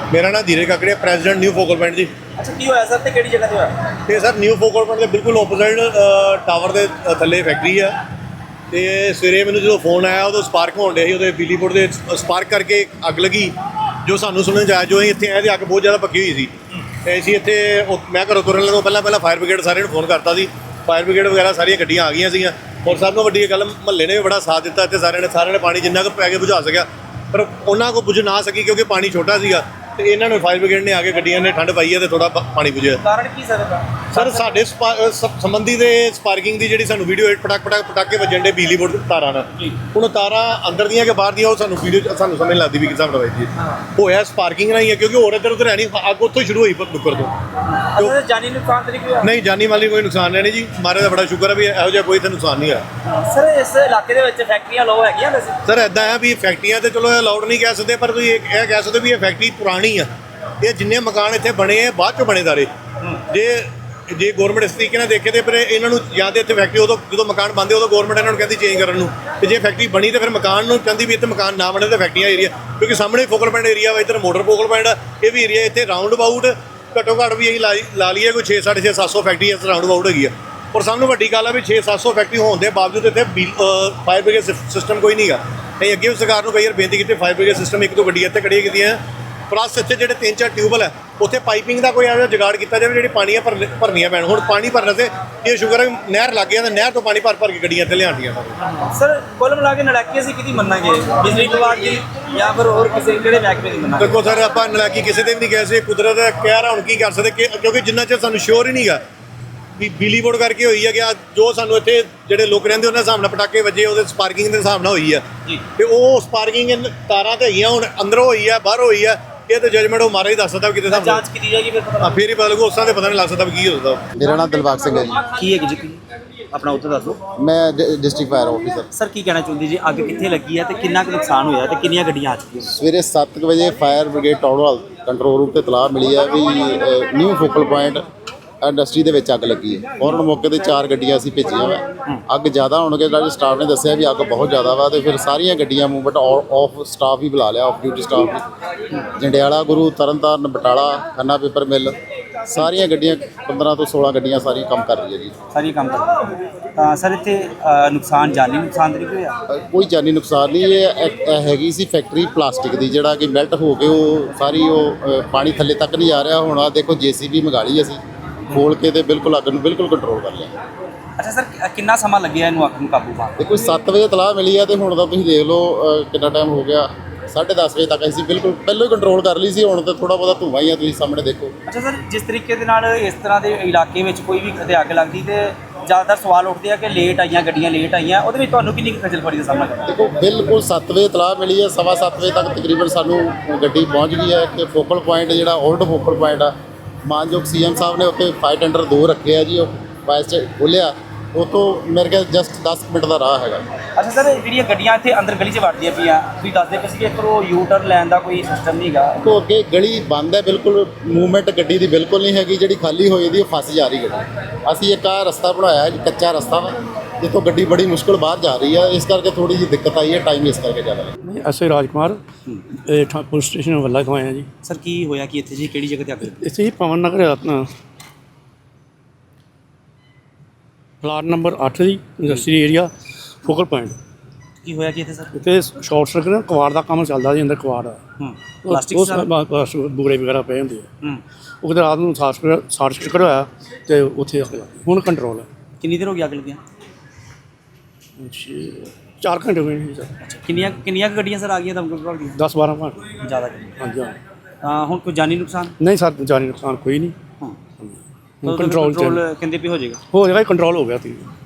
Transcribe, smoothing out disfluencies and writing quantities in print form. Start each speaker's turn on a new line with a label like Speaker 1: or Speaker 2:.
Speaker 1: ਮੇਰਾ ਨਾਮ Dheeraj Kakaria, president new focal point ਜੀ।
Speaker 2: ਅੱਛਾ, ਕੀ ਹੋਇਆ ਸਰ ਤੇ ਕਿਹੜੀ ਜਗ੍ਹਾ ਤੇ ਹੋਇਆ?
Speaker 1: ਤੇ ਸਰ ਨਿਊ ਫੋਕਲ ਪੁਆਇੰਟ ਦੇ ਬਿਲਕੁਲ ਆਪੋਜ਼ਿਟ ਟਾਵਰ ਦੇ ਥੱਲੇ ਫੈਕਟਰੀ ਆ। ਤੇ ਸਵੇਰੇ ਮੈਨੂੰ ਜਦੋਂ ਫੋਨ ਆਇਆ ਉਦੋਂ ਸਪਾਰਕ ਹੋਣ ਡਿਆ ਸੀ, ਉਹਦੇ ਬਿਜਲੀ ਬੋਰਡ ਦੇ ਸਪਾਰਕ ਕਰਕੇ ਅੱਗ ਲੱਗੀ। ਜੋ ਸਾਨੂੰ ਸੁਣਨ 'ਚ ਆਇਆ, ਜੋ ਅਸੀਂ ਇੱਥੇ ਆਏ ਤੇ ਅੱਗ ਬਹੁਤ ਜ਼ਿਆਦਾ ਪੱਕੀ ਹੋਈ ਸੀ। ਤੇ ਅਸੀਂ ਇੱਥੇ ਮੈਂ ਘਰੋਂ ਤੁਰਨ ਲੱਗੋਂ ਪਹਿਲਾਂ ਫਾਇਰ ਬ੍ਰਿਗੇਡ ਸਾਰਿਆਂ ਨੂੰ ਫੋਨ ਕਰਤਾ ਸੀ। ਫਾਇਰ ਬ੍ਰਿਗੇਡ ਵਗੈਰਾ ਸਾਰੀਆਂ ਗੱਡੀਆਂ ਆ ਗਈਆਂ ਸੀਗੀਆਂ। ਔਰ ਸਭ ਤੋਂ ਵੱਡੀ ਗੱਲ, ਮਹੱਲੇ ਨੇ ਵੀ ਬੜਾ ਸਾਥ ਦਿੱਤਾ। ਇੱਥੇ ਸਾਰਿਆਂ ਨੇ ਪਾਣੀ ਜਿੰਨਾ ਕੁ ਪੈ ਕੇ ਬੁਝਾ ਸਕਿਆ, ਪਰ ਉਹਨਾਂ ਕੋਲ ਬੁਝ ਨਾ ਸਕੀ ਕਿਉਂਕਿ ਪਾਣੀ ਛੋਟਾ ਸੀਗਾ। ਤੇ ਇਹਨਾਂ ਨੂੰ ਫਾਇਰ ਬ੍ਰਿਗੇਡ ਨੇ ਆ ਕੇ ਗੱਡੀਆਂ ਨੇ ਠੰਡ ਪਾਈ ਹੈ ਤੇ ਥੋੜਾ ਪਾਣੀ ਬੁਝਿਆ।
Speaker 2: ਕਾਰਨ ਕੀ ਸਰ ਇਹਦਾ?
Speaker 1: ਸਰ ਸਾਡੇ ਸੰਬੰਧੀ ਦੇ ਸਪਾਰਕਿੰਗ ਦੀ ਜਿਹੜੀ ਸਾਨੂੰ ਵੀਡੀਓ ਪਟਾਕੇ ਵੱਜਣ ਦੇ ਬਿਜਲੀ ਬੋਰਡ ਤਾਰਾਂ ਨਾਲ, ਹੁਣ ਤਾਰਾਂ ਅੰਦਰ ਦੀਆਂ ਕਿ ਬਾਹਰ ਦੀਆਂ ਉਹ ਸਾਨੂੰ ਵੀਡੀਓ ਸਾਨੂੰ ਸਮਝ ਲੱਗਦੀ ਵੀ ਕਿਸ ਹਿਸਾਬ ਨਾਲ ਵੱਜਦੀ ਹੋਇਆ। ਸਪਾਰਕਿੰਗ ਨਾਲ ਹੀ ਹੈ ਕਿਉਂਕਿ ਹੋਰ ਇੱਧਰ ਉੱਧਰ ਹੈ ਨਹੀਂ, ਅੱਗ ਉੱਥੋਂ ਹੀ ਸ਼ੁਰੂ ਹੋਈ ਨੁੱਕਰ ਤੋਂ।
Speaker 2: ਅੱਛਾ, ਜਾਨੀ ਨੁਕਸਾਨ ਤਾਂ ਨਹੀਂ ਹੋਇਆ?
Speaker 1: ਨਹੀਂ, ਜਾਨੀ ਮਾਲੀ ਕੋਈ ਨੁਕਸਾਨ ਨਹੀਂ ਜੀ। ਮਹਾਰਾਜ ਦਾ ਬੜਾ ਸ਼ੁਕਰ ਹੈ ਵੀ ਇਹੋ ਜਿਹਾ ਕੋਈ ਇੱਥੇ ਨੁਕਸਾਨ ਨਹੀਂ ਹੋਇਆ।
Speaker 2: ਸਰ ਇਸ ਇਲਾਕੇ ਦੇ ਵਿੱਚ ਫੈਕਟਰੀਆਂ ਲੋ ਹੈਗੀਆਂ ਵੈਸੇ?
Speaker 1: ਸਰ ਇੱਦਾਂ ਹੈ ਵੀ ਫੈਕਟਰੀਆਂ ਤੇ ਚਲੋ ਅਲਾਉਡ ਨਹੀਂ ਕਹਿ ਸਕਦੇ, ਪਰ ਤੁਸੀਂ ਇਹ ਕਹਿ ਸਕਦੇ ਵੀ ਇਹ ਫੈਕਟਰੀ ਪੁਰਾਣੀ ਆ। ਇਹ ਜਿੰਨੇ ਮਕਾਨ ਇੱਥੇ ਬਣੇ ਆ ਬਾਅਦ ਚੋਂ ਬਣੇ ਸਾਰੇ। ਜੇ ਗੌਰਮੈਂਟ ਇਸ ਤਰੀਕੇ ਨਾਲ ਦੇਖੇ ਤੇ ਫਿਰ ਇਹਨਾਂ ਨੂੰ ਜਾਂ ਤਾਂ ਇੱਥੇ ਫੈਕਟਰੀ ਉਦੋਂ ਜਦੋਂ ਮਕਾਨ ਬਣਦੇ ਉਦੋਂ ਗੌਰਮੈਂਟ ਇਹਨਾਂ ਨੂੰ ਕਹਿੰਦੀ ਚੇਂਜ ਕਰਨ ਨੂੰ, ਤੇ ਜੇ ਫੈਕਟਰੀ ਬਣੀ ਤੇ ਫਿਰ ਮਕਾਨ ਨੂੰ ਕਹਿੰਦੀ ਵੀ ਇੱਥੇ ਮਕਾਨ ਨਾ ਬਣੇ ਤੇ ਫੈਕਟਰੀਆਂ ਏਰੀਆ, ਕਿਉਂਕਿ ਸਾਹਮਣੇ ਫੋਕਲ ਪੁਆਇੰਟ ਏਰੀਆ ਵਾ, ਇੱਧਰ ਮੋਟਰ ਫੋਕਲ ਪੁਆਇੰਟ ਆ, ਇਹ ਵੀ ਏਰੀਆ। ਇੱਥੇ ਰਾਊਂਡ ਅਬਾਊਟ ਘੱਟੋ ਘੱਟ ਵੀ ਅਸੀਂ ਲਾ ਲਈਏ ਕੋਈ 600-700 ਫੈਕਟਰੀ ਇਸ ਰਾਊਂਡ ਅਬਾਊਟ ਹੈਗੀ ਆ। ਔਰ ਸਭ ਨੂੰ ਵੱਡੀ ਗੱਲ ਆ ਵੀ 600-700 ਫੈਕਟਰੀ ਹੋਣ ਦੇ ਬਾਵਜੂਦ ਇੱਥੇ ਫਾਇਰ ਬ੍ਰਿਗੇਡ ਸਿਸਟਮ ਕੋਈ ਨਹੀਂ ਗਾ। ਅਸੀਂ ਅੱਗੇ ਵੀ ਸਰਕਾਰ ਨੂੰ ਕਈ ਵਾਰ ਬੇਨਤੀ ਕੀਤੀ, ਫਾਇਰ ਬ੍ਰਿਗੇਡ ਸਿਸਟਮ ਇੱਕ ਦੋ ਗੱਡੀਆਂ ਇੱਥੇ ਖੜੀਆਂ ਕੀਤੀਆਂ। ਪਲੱਸ ਇੱਥੇ ਜਿਹੜੇ 3-4 ਟਿਊਬਲ ਹੈ ਉੱਥੇ ਪਾਈਪਿੰਗ ਦਾ ਕੋਈ ਐਵੇਂ ਜੁਗਾੜ ਕੀਤਾ ਜਾਵੇ ਜਿਹੜੀ ਪਾਣੀ ਭਰਨੀਆਂ ਪੈਣ। ਹੁਣ ਪਾਣੀ ਭਰਨ ਤੇ ਇਹ ਸ਼ੁਕਰ ਹੈ ਨਹਿਰ ਲੱਗ ਗਿਆ, ਤਾਂ ਨਹਿਰ ਤੋਂ ਪਾਣੀ ਭਰ ਕੇ ਗੱਡੀਆਂ ਇੱਥੇ ਲਿਆਉਂਦੀਆਂ।
Speaker 2: ਸਰ ਕੁੱਲ ਮਿਲਾ ਕੇ ਨਲਾਇਕੀ ਅਸੀਂ ਕਿਹਦੀ ਮੰਨਾਂਗੇ, ਬਿਜਲੀ ਵਿਭਾਗ ਦੀ ਜਾਂ ਫਿਰ ਹੋਰ ਕਿਸੇ ਕਿਹੜੇ ਮਹਿਕਮੇ ਦੀ ਮੰਨਾਂਗੇ?
Speaker 1: ਦੇਖੋ ਸਰ, ਆਪਾਂ ਨਲਾਇਕੀ ਕਿਸੇ ਦੇ ਵੀ ਨਹੀਂ ਕਹਿ ਸਕਦੇ। ਕੁਦਰਤ ਕਹਿ ਰਹਾ, ਹੁਣ ਕੀ ਕਰ ਸਕਦੇ ਕਿਉਂਕਿ ਜਿੰਨਾ ਚਿਰ ਸਾਨੂੰ ਸ਼ੋਰ ਹੀ ਨਹੀਂ ਗਾ ਵੀ ਬਿਜਲੀ ਬੋਰਡ ਕਰਕੇ ਹੋਈ ਹੈ ਕਿ ਜੋ ਸਾਨੂੰ ਇੱਥੇ ਜਿਹੜੇ ਲੋਕ ਰਹਿੰਦੇ ਉਹਨਾਂ ਹਿਸਾਬ ਨਾਲ ਪਟਾਕੇ ਵੱਜੇ, ਉਹਦੇ ਸਪਾਰਕਿੰਗ ਦੇ ਹਿਸਾਬ ਨਾਲ ਹੋਈ ਆ ਜੀ। ਤੇ ਉਹ ਸਪਾਰਕਿੰਗ ਤਾਰਾਂ ਤੇ ਹੈਗੀਆਂ, ਹੁਣ ਅੰਦਰੋਂ ਹੋਈ ਆ ਬਾਹਰੋਂ ਹੋਈ ਆ, ਇਹ ਤਾਂ ਜਜਮੈਂਟ ਉਹ ਮਾਰਾ ਹੀ ਦੱਸ ਸਕਦਾ ਕਿਤੇ ਹਿਸਾਬ ਨਾਲ
Speaker 2: ਜਾਂਚ ਕੀਤੀ ਜਾਏਗੀ ਫਿਰ
Speaker 1: ਫੇਰ ਹੀ ਪਤਾ ਲੱਗੂ। ਉਸ ਤਰ੍ਹਾਂ ਦੇ ਪਤਾ ਨਹੀਂ ਲੱਗ ਸਕਦਾ ਵੀ ਕੀ ਹੋ ਸਕਦਾ।
Speaker 3: ਮੇਰਾ ਨਾਮ ਦਿਲਬਾਗ ਸਿੰਘ ਹੈ ਜੀ।
Speaker 2: ਕੀ ਹੈ ਜੀ? ਆਪਣਾ ਉੱਥੇ ਦੱਸ ਦਿਓ।
Speaker 3: ਮੈਂ ਡਿਸਟ੍ਰਿਕਟ ਫਾਇਰ ਆਫਿਸਰ।
Speaker 2: ਸਰ ਕੀ ਕਹਿਣਾ ਚਾਹੁੰਦੇ ਜੀ, ਅੱਗ ਕਿੱਥੇ ਲੱਗੀ ਹੈ ਤੇ ਕਿੰਨਾ ਕੁ ਨੁਕਸਾਨ ਹੋਇਆ ਤੇ ਕਿੰਨੀਆਂ ਗੱਡੀਆਂ ਆ ਚੁੱਕੀਆਂ?
Speaker 3: ਸਵੇਰੇ 7 ਵਜੇ fire brigade town control room ਤੇ ਇਤਲਾਹ ਮਿਲੀ ਹੈ ਵੀ ਨਿਊ ਫੋਕਲ ਪੁਆਇੰਟ ਇੰਡਸਟਰੀ ਦੇ ਵਿੱਚ ਅੱਗ ਲੱਗੀ ਹੈ। ਫੌਰਨ ਮੌਕੇ ਤੇ 4 ਗੱਡੀਆਂ ਅਸੀਂ ਭੇਜੀਆਂ ਵਾ। ਅੱਗ ਜ਼ਿਆਦਾ ਹੋਣ ਕਰਕੇ ਸਟਾਫ ਨੇ ਦੱਸਿਆ ਵੀ ਅੱਗ ਬਹੁਤ ਜ਼ਿਆਦਾ ਵਾ, ਤੇ ਫਿਰ ਸਾਰੀਆਂ ਗੱਡੀਆਂ ਮੂਵਮੈਂਟ ਆਫ ਸਟਾਫ ਹੀ ਬੁਲਾ ਲਿਆ, ਆਫ ਡਿਊਟੀ ਸਟਾਫ ਵੀ। ਜੰਡਿਆਲਾ, ਗੁਰੂ, ਤਰਨਤਾਰਨ, ਬਟਾਲਾ, ਖੰਨਾ ਪੇਪਰ ਮਿਲ, ਸਾਰੀਆਂ ਗੱਡੀਆਂ 15 ਤੋਂ 16 ਗੱਡੀਆਂ ਸਾਰੀਆਂ ਕੰਮ ਕਰ ਰਹੀ ਹੈ ਜੀ।
Speaker 2: ਸਾਰੀਆਂ ਕੰਮ ਕਰ ਰਹੀਆਂ ਤਾਂ ਸਰ ਇੱਥੇ ਨੁਕਸਾਨ ਜਾਨੀ ਨੁਕਸਾਨ ਤਾਂ ਨਹੀਂ ਹੋਇਆ?
Speaker 3: ਕੋਈ ਜਾਨੀ ਨੁਕਸਾਨ ਨਹੀਂ। ਇਹ ਹੈਗੀ ਸੀ ਫੈਕਟਰੀ ਪਲਾਸਟਿਕ ਦੀ, ਜਿਹੜਾ ਕਿ ਮੈਲਟ ਹੋ ਕੇ ਉਹ ਸਾਰੀ ਪਾਣੀ ਥੱਲੇ ਤੱਕ ਨਹੀਂ ਆ ਰਿਹਾ। ਹੁਣ ਆ ਦੇਖੋ JCB ਮੰਗਾ ਲਈ ਅਸੀਂ, ਖੋਲ ਕੇ ਤੇ ਬਿਲਕੁਲ ਅੱਗ ਨੂੰ ਬਿਲਕੁਲ ਕੰਟਰੋਲ ਕਰ ਲਿਆ।
Speaker 2: ਅੱਛਾ ਸਰ, ਕਿੰਨਾ ਸਮਾਂ ਲੱਗਿਆ ਇਹਨੂੰ ਅੱਗ ਨੂੰ ਕਾਬੂ ਪਾਉਣ?
Speaker 3: ਦੇਖੋ 7 ਵਜੇ ਇਤਲਾਹ ਮਿਲੀ ਹੈ ਤੇ ਹੁਣ ਤਾਂ ਤੁਸੀਂ ਦੇਖ ਲਓ ਕਿੰਨਾ ਟਾਈਮ ਹੋ ਗਿਆ। 10:30 ਵਜੇ ਤੱਕ ਅਸੀਂ ਬਿਲਕੁਲ ਪਹਿਲਾਂ ਹੀ ਕੰਟਰੋਲ ਕਰ ਲਈ ਸੀ। ਹੁਣ ਤਾਂ ਥੋੜਾ ਬਹੁਤਾ ਧੂੰਆਂ ਹੀ ਆ, ਤੁਸੀਂ ਸਾਹਮਣੇ ਦੇਖੋ।
Speaker 2: ਅੱਛਾ ਸਰ, ਜਿਸ ਤਰੀਕੇ ਦੇ ਨਾਲ ਇਸ ਤਰ੍ਹਾਂ ਦੇ ਇਲਾਕੇ ਵਿੱਚ ਕੋਈ ਵੀ ਕਦੇ ਅੱਗ ਲੱਗਦੀ ਤੇ ਜ਼ਿਆਦਾਤਰ ਸਵਾਲ ਉੱਠਦੇ ਆ ਕਿ ਲੇਟ ਆਈਆਂ ਗੱਡੀਆਂ, ਲੇਟ ਆਈਆਂ, ਉਹਦੇ ਵਿੱਚ ਤੁਹਾਨੂੰ ਕਿੰਨੀ ਖੱਜਲ ਖੁਆਰੀ ਦਾ ਸਾਹਮਣਾ ਕਰਨਾ?
Speaker 3: ਦੇਖੋ ਬਿਲਕੁਲ 7 ਵਜੇ ਇਤਲਾਹ ਮਿਲੀ ਹੈ, 7:15 ਵਜੇ ਤੱਕ ਤਕਰੀਬਨ ਸਾਨੂੰ ਗੱਡੀ ਪਹੁੰਚ ਗਈ ਹੈ ਕਿ ਫੋਕਲ ਪੁਆਇੰਟ ਜਿਹੜਾ ਓਲਡ ਫੋਕਲ ਪੁਆਇੰਟ ਆ, ਮਾਨਯੋਗ CM ਸਾਹਿਬ ਨੇ ਉੱਥੇ ਫਾਇਰ ਟੈਂਡਰ 2 ਰੱਖੇ ਆ ਜੀ। ਉਹ ਫਾਇਰ 'ਚ ਖੋਲ੍ਹਿਆ, ਉੱਥੋਂ ਮੇਰੇ ਖਿਆਲ ਜਸਟ 10 ਮਿੰਟ ਦਾ ਰਾਹ ਹੈਗਾ।
Speaker 2: ਅੱਛਾ ਸਰ, ਜਿਹੜੀਆਂ ਗੱਡੀਆਂ ਇੱਥੇ ਅੰਦਰ ਗਲੀ 'ਚ ਵੜਦੀਆਂ ਪਈਆਂ, ਤੁਸੀਂ ਦੱਸਦੇ ਪਏ ਸੀ ਕਿ ਇੱਧਰੋਂ U-turn ਲੈਣ ਦਾ ਕੋਈ ਸਿਸਟਮ ਨਹੀਂ ਹੈਗਾ।
Speaker 3: ਤੋਂ ਅੱਗੇ ਗਲੀ ਬੰਦ ਹੈ, ਬਿਲਕੁਲ ਮੂਵਮੈਂਟ ਗੱਡੀ ਦੀ ਬਿਲਕੁਲ ਨਹੀਂ ਹੈਗੀ। ਜਿਹੜੀ ਖਾਲੀ ਹੋਈ ਦੀ ਉਹ ਫਸ ਜਾ ਰਹੀ ਗੱਡੀ। ਅਸੀਂ ਇੱਕ ਆਹ ਰਸਤਾ ਬਣਾਇਆ ਜੀ, ਕੱਚਾ ਰਸਤਾ ਵਾ, ਜਿੱਥੋਂ ਗੱਡੀ ਬੜੀ ਮੁਸ਼ਕਲ ਬਾਹਰ ਜਾ ਰਹੀ ਹੈ। ਇਸ ਕਰਕੇ ਥੋੜੀ ਜਿਹੀ ਦਿੱਕਤ ਆਈ ਹੈ, ਟਾਈਮ ਇਸ ਕਰਕੇ ਜ਼ਿਆਦਾ ਲੱਗਦਾ।
Speaker 4: ਅਸੀਂ ਰਾਜਕੁਮਾਰ ਪੁਲਿਸ ਸਟੇਸ਼ਨ ਵੱਲਾ ਤੋਂ ਆਏ ਹਾਂ ਜੀ।
Speaker 2: ਸਰ ਕੀ ਹੋਇਆ ਕਿ ਇੱਥੇ ਜੀ ਕਿਹੜੀ ਜਗ੍ਹਾ ਤੇ ਅੱਗ ਲੱਗੀ?
Speaker 4: ਇੱਥੇ ਹੀ ਪਵਨ ਨਗਰ ਆਪਣਾ ਪਲਾਟ ਨੰਬਰ 8 ਦੀ ਇੰਡਸਟਰੀ ਏਰੀਆ ਫੋਕਲ ਪੁਆਇੰਟ।
Speaker 2: ਕੀ ਹੋਇਆ ਕਿ ਇੱਥੇ ਸਰ?
Speaker 4: ਇੱਥੇ ਸ਼ਾਰਟ ਸਰਕਟ ਨਾਲ ਕਵਾੜ ਦਾ ਕੰਮ ਚੱਲਦਾ ਜੀ, ਅੰਦਰ ਕਵਾੜ ਆ।
Speaker 2: ਪਲਾਸਟਿਕ
Speaker 4: ਬੂਰੇ ਵਗੈਰਾ ਪਏ ਹੁੰਦੇ ਆ। ਉਹ ਕਿਤੇ ਰਾਤ ਨੂੰ ਸ਼ਾਰਟ ਸਰਕਟ ਹੋਇਆ ਅਤੇ ਉੱਥੇ ਅੱਗ ਲੱਗ ਗਈ। ਹੁਣ ਕੰਟਰੋਲ ਹੈ।
Speaker 2: ਕਿੰਨੀ ਦੇਰ ਹੋ ਗਈ ਅੱਗ ਲੱਗਿਆ?
Speaker 4: 4 ਘੰਟੇ ਹੋਏ ਨੇ ਸਰ।
Speaker 2: ਅੱਛਾ, ਕਿੰਨੀਆਂ ਕੁ ਗੱਡੀਆਂ ਸਰ ਆ ਗਈਆਂ ਦਮਕਲ ਵਿਭਾਗ ਦੀਆਂ?
Speaker 4: 10-12 ਘੰਟੇ।
Speaker 2: ਜ਼ਿਆਦਾ
Speaker 4: ਹਾਂਜੀ ਹਾਂ।
Speaker 2: ਤਾਂ ਹੁਣ ਕੋਈ ਜਾਨੀ ਨੁਕਸਾਨ?
Speaker 4: ਨਹੀਂ ਸਰ, ਜਾਨੀ ਨੁਕਸਾਨ ਕੋਈ ਨਹੀਂ। ਹੁਣ ਕੰਟਰੋਲ
Speaker 2: ਕਹਿੰਦੇ ਵੀ ਹੋ ਜਾਏਗਾ।
Speaker 4: ਕੰਟਰੋਲ ਹੋ ਗਿਆ ਸੀ।